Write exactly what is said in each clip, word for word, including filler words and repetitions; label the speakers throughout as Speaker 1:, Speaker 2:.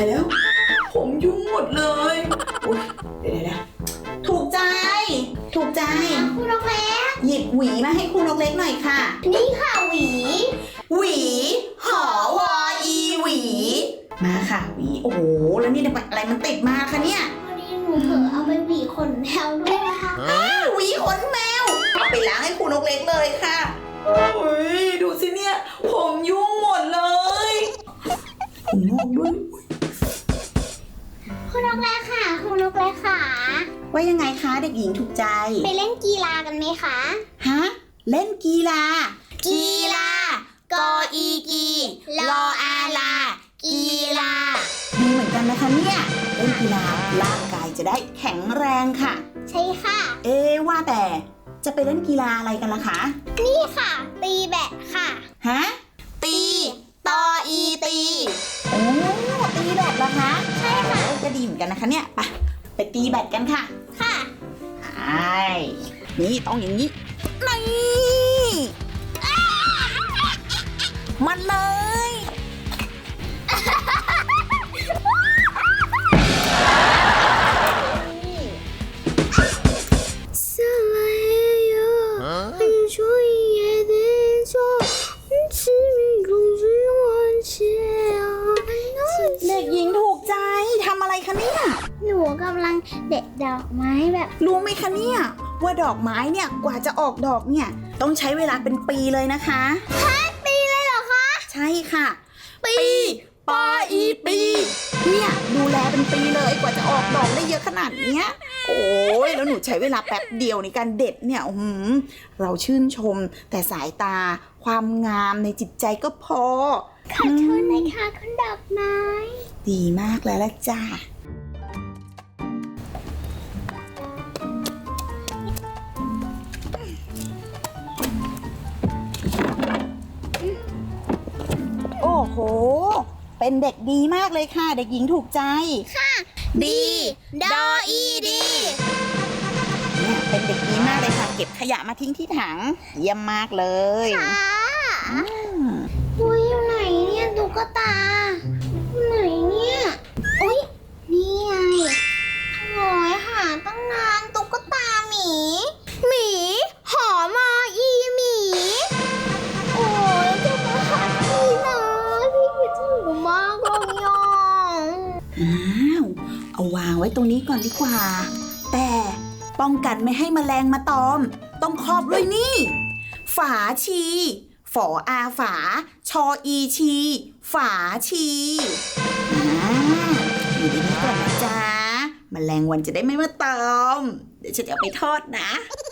Speaker 1: ายแล้วผมยุ่งหมดเลยโอ๊ยเดี๋ยวนะถูกใจถูกใจ
Speaker 2: คุณนกเล็ก
Speaker 1: หยิบหวีมาให้คุณนกเล็กหน่อยค่ะ
Speaker 2: นี่ค่ะหวี
Speaker 1: หวีหอวออีหวีมาค่ะหวีโอ้โหแล้วนี่อะไรมันติดมาคะเนี่ย
Speaker 2: พอดีหนูเผลอเอาไปหวีขนแมวด้วยนะคะ
Speaker 1: หวีขนแมวเอาไปล้างให้คุณนกเล็กเลยค่ะโอ้ยดูสิเนี่ยผมยุ่งหมดเลยผมงอกด้วย
Speaker 2: คุณนกเล็กค่ะคุณนกเล็กค่ะ
Speaker 1: ว่ายังไงคะเด็กหญิงถูกใจ
Speaker 2: ไปเล่นกีฬากันไหมคะ
Speaker 1: ฮะเล่นกีฬา
Speaker 2: กีฬากออีกีรออาลากีฬา
Speaker 1: ดีเหมือนกันนะคะเนี่ยเล่นกีฬาร่างกายจะได้แข็งแรงค่ะ
Speaker 2: ใช่ค่ะ
Speaker 1: เอ๊ะว่าแต่จะไปเล่นกีฬาอะไรกันล่ะคะ
Speaker 2: นี่ค่ะตีแบดค่ะ
Speaker 1: ฮะตีตออีตีโอ้ตีแบดเหรอคะ
Speaker 2: ใช่ค่ะ
Speaker 1: จะดีเหมือนกันนะคะเนี่ยไปไปตีแบดกันค่ะ
Speaker 2: ค่ะ
Speaker 1: ใช่นี่ต้องอย่างนี้นี่มันเลยเด็กหญิงถูกใจทำอะไรคะเนี่ย
Speaker 2: หนูกำลังเด็ดดอกไม้แบบ
Speaker 1: รู้ไหมคะเนี่ยว่าดอกไม้เนี่ยกว่าจะออกดอกเนี่ยต้องใช้เวลาเป็นปีเลยนะคะ
Speaker 2: ฮะปีเลยเหรอคะ
Speaker 1: ใช่ค่ะปีปออีปีเนี่ยดูแลเป็นปีเลยกว่าจะออกดอกได้เยอะขนาดเนี้ยโอ้ยแล้วหนูใช้เวลาแป๊บเดียวในการเด็ดเนี่ยอืมเราชื่นชมแต่สายตาความงามในจิตใจก็พอ
Speaker 2: ขอโทษนะคะคุณดอกไม้
Speaker 1: ดีมากแล้วล่ะจ้าโอ้โหเป็นเด็กดีมากเลยค่ะเด็กหญิงถูกใจ
Speaker 2: ค่ะดีดออีดี
Speaker 1: เนี่ยเป็นเด็กดีมากเลยค่ะเก็บขยะมาทิ้งที่ถังเยี่ยมมากเลย
Speaker 2: ค่ะอุ้ยอยู่ไหนเนี่ยตุ๊กตาไหนเนี่ยอุ้ยนี่ไงโอ้ยหาตั้งนานตุ๊กตาหมีหมีหอมออีหมีโอ้ยจะมาหาพี่นะพี่คิดถึงมากเลยอ่ะ
Speaker 1: อ้าวเอาวางไว้ตรงนี้ก่อนดีกว่าแต่ป้องกันไม่ให้แมลงมาตอมต้องครอบด้วยนี่ฝาชีฝออาฝาชออีชีฝาชีอ่าอยู่ดีนี้ก่อนนะจ๊ะแมลงวันจะได้ไม่มาตอมเดี๋ยวฉันจะเอาไปทอดนะ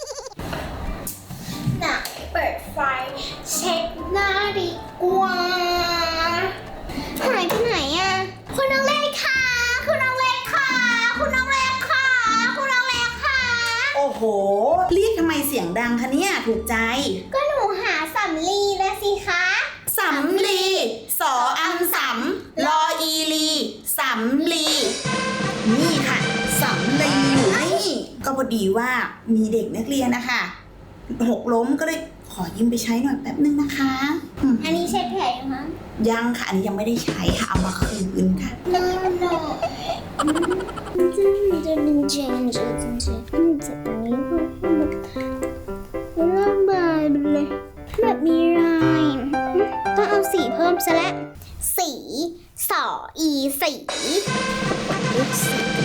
Speaker 2: น่ะเปิดไฟเช็คหน้าดีกว่าหายไปไหนอ่ะคุณน้องเล็กค่ะคุณน้องเล็กค่ะคุณน้องเล็กค่ะคุณน้องเล็กค่ะ
Speaker 1: โอ้โหเรียกทำไมเสียงดังคะเนี่ยถูกใจ
Speaker 2: ก็หนูหาสำลีนะสิคะ
Speaker 1: สำลีสออังสำลออีลีสำลีนี่ค่ะสำลีอยู่นี่ก็พอดีว่ามีเด็กนักเรียนนะคะหกล้มก็เลยขอยืมไปใช้หน่อยแป๊บนึงนะคะ
Speaker 2: อันนี้ใช้แผลยังคะ
Speaker 1: ยังค่ะอันนี้ยังไม่ได้ใช้ค่ะเอามาคืนค่ะ
Speaker 2: น่าหน่อยมันจะมันจะเป็นเจนจะจริงๆมันจะตรงนี้มันระบายไปเลยแบบมีลายต้องเอาสีเพิ่มซะแล้วสีสออีสี
Speaker 1: เลือกสี